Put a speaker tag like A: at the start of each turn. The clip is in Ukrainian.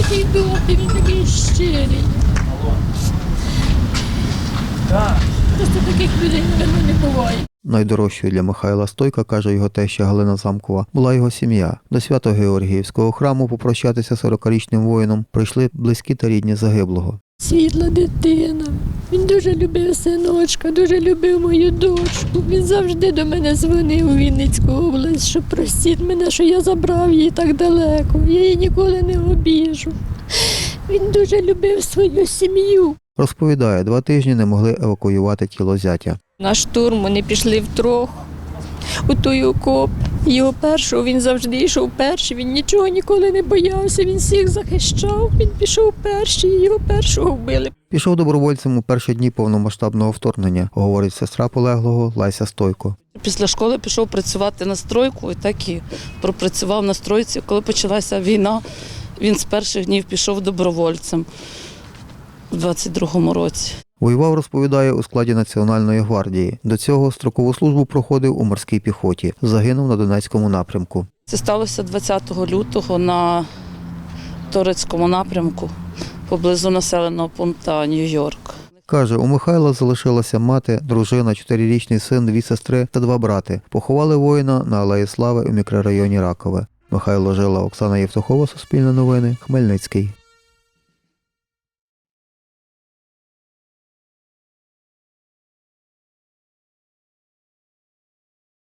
A: такий добрий, він такий щирий. Просто таких людей, мабуть, не буває.
B: Найдорожчою для Михайла Стойка, каже його теща Галина Замкова, була його сім'я. До Свято-Георгіївського храму попрощатися 40-річним воїном прийшли близькі та рідні загиблого.
A: Світла дитина. Він дуже любив синочка, дуже любив мою дочку. Він завжди до мене дзвонив у Вінницьку область, що простіть мене, що я забрав її так далеко. Я її ніколи не обіжу. Він дуже любив свою сім'ю.
B: Розповідає, 2 тижні не могли евакуювати тіло зятя.
A: На штурм вони пішли втрьох у той окоп. Його першого, він завжди йшов перший, він нічого ніколи не боявся, він всіх захищав, він пішов перший, і його першого вбили.
B: Пішов добровольцем у перші дні повномасштабного вторгнення, говорить сестра полеглого Леся Стойко.
C: Після школи пішов працювати на стройку і так і пропрацював на стройці. Коли почалася війна, він з перших днів пішов добровольцем у 22-му році.
B: Воював, розповідає, у складі Національної гвардії. До цього строкову службу проходив у морській піхоті. Загинув на Донецькому напрямку.
C: Це сталося 20 лютого на Торецькому напрямку, поблизу населеного пункту Нью-Йорк.
B: Каже, у Михайла залишилася мати, дружина, 4-річний син, 2 сестри та 2 брати. Поховали воїна на Алеї Слави у мікрорайоні Ракове. Михайло Жила, Оксана Євтухова, Суспільне новини, Хмельницький.